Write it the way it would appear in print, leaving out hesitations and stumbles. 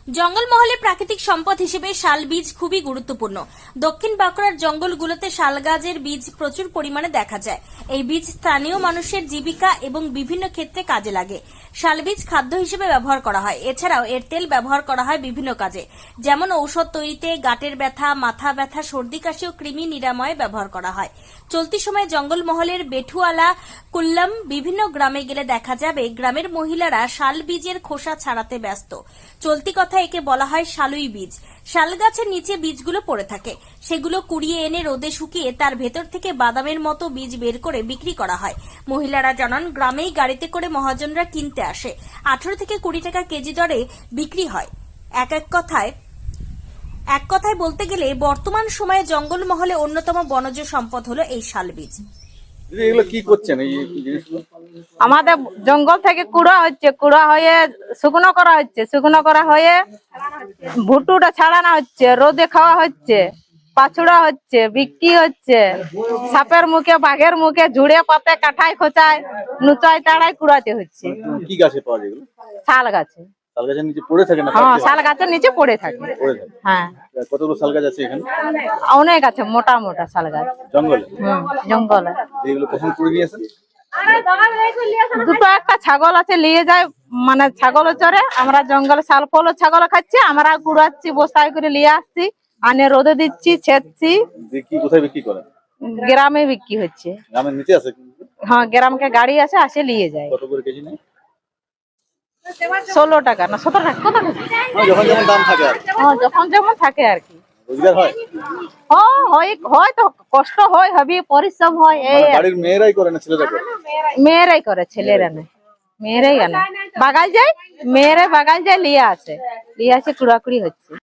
জঙ্গলমহলে প্রাকৃতিক সম্পদ হিসেবে শাল বীজ খুবই গুরুত্বপূর্ণ। দক্ষিণ বাঁকুড়ার জঙ্গলগুলোতে শাল গাছের বীজ প্রচুর পরিমাণে দেখা যায়। এই বীজ স্থানীয় মানুষের জীবিকা এবং বিভিন্ন ক্ষেত্রে কাজে লাগে। শাল বীজ খাদ্য হিসেবে ব্যবহার করা হয়। এছাড়াও এর তেল ব্যবহার করা হয় বিভিন্ন কাজে, যেমন ঔষধ তৈরিতে, গাঁটের ব্যথা, মাথা ব্যথা, সর্দি কাশি ও কৃমি নিরাময়ে ব্যবহার করা হয়। চলতি সময়ে জঙ্গলমহলের বেঠুয়ালা, কুল্লাম বিভিন্ন গ্রামে গেলে দেখা যাবে গ্রামের মহিলারা শাল বীজের খোসা ছাড়াতে ব্যস্ত। চলতি কথা একে বলা হয় শালুই বীজ। শাল গাছের নিচে বীজগুলো পড়ে থাকে, সেগুলো কুড়িয়ে এনে রোদে শুকিয়ে তার ভেতর থেকে বাদামের মতো বীজ বের করে বিক্রি করা হয়। মহিলারা জানান, গ্রামেই গাড়িতে করে মহাজনরা কিনতে আসে। 18 থেকে 20 টাকা কেজি দরে বিক্রি হয়। এক কথায় বলতে গেলে বর্তমান সময়ে জঙ্গলমহলে অন্যতম বনজ সম্পদ হলো এই শাল বীজ। এগুলো কি করছেন এই জিনিসগুলো? আমাদের জঙ্গল থেকে কুড়া হচ্ছে, কুড়া হয়ে শুকনো করা হচ্ছে, শুকনো করা হয়ে ভুট্টুটা ছাড়ানো হচ্ছে, রোদে খাওয়া হচ্ছে, পাছুড়া হচ্ছে, বিক্রি হচ্ছে। সাপের মুখে, বাঘের মুখে, ঝুড়ে পাতে, কাঠায় খোঁচায়, নুচায় তাড়ায় কুড়াতে হচ্ছে। কি গাছে পাওয়া যায় এগুলো? শাল গাছে। শাল গাছের নিচে পড়ে থাকে না? হ্যাঁ, শাল গাছের নিচে পড়ে থাকে। পড়ে থাকে। হ্যাঁ, কতগুলো শাল গাছ আছে এখানে? অনেক আছে, মোটা মোটা শাল গাছ জঙ্গলে? জঙ্গলে। এগুলো কখন কুড়ে নিয়ে আসেন? দুটো একটা ছাগল আছে, নিয়ে যায়, মানে ছাগল চরে। আমরা জঙ্গলে শাল ফল ছাগল খাচ্ছি, আমরা কুড়াচ্ছি, বস্তায় করে নিয়ে আসছি, আনে রোদে দিচ্ছি, ছেদছি। কোথায় বিক্রি করেন? গ্রামে বিক্রি হচ্ছে। গ্রামের নিচে আছে? হ্যাঁ, গ্রামকে গাড়ি আছে, আসে নিয়ে যায়। কত করে কেজি নেয়? 16 টাকা না 17 টাকা, কত টাকা? যখন যেমন দাম থাকে আর কি। হ্যাঁ, যখন যেমন থাকে আর কি। রোজগার হয়? হয় তো, কষ্ট হয়, হবে, পরিশ্রম হয়। এই বাড়ির মেয়েরাই করে না ছেলেরা করে? মেয়েরাই করে, ছেলেরা না। মেয়েরাই আনে, বাগাল যায়, মেয়েরা বাগাল যায়, নিয়ে আসে কুড়াকুড়ি হচ্ছে।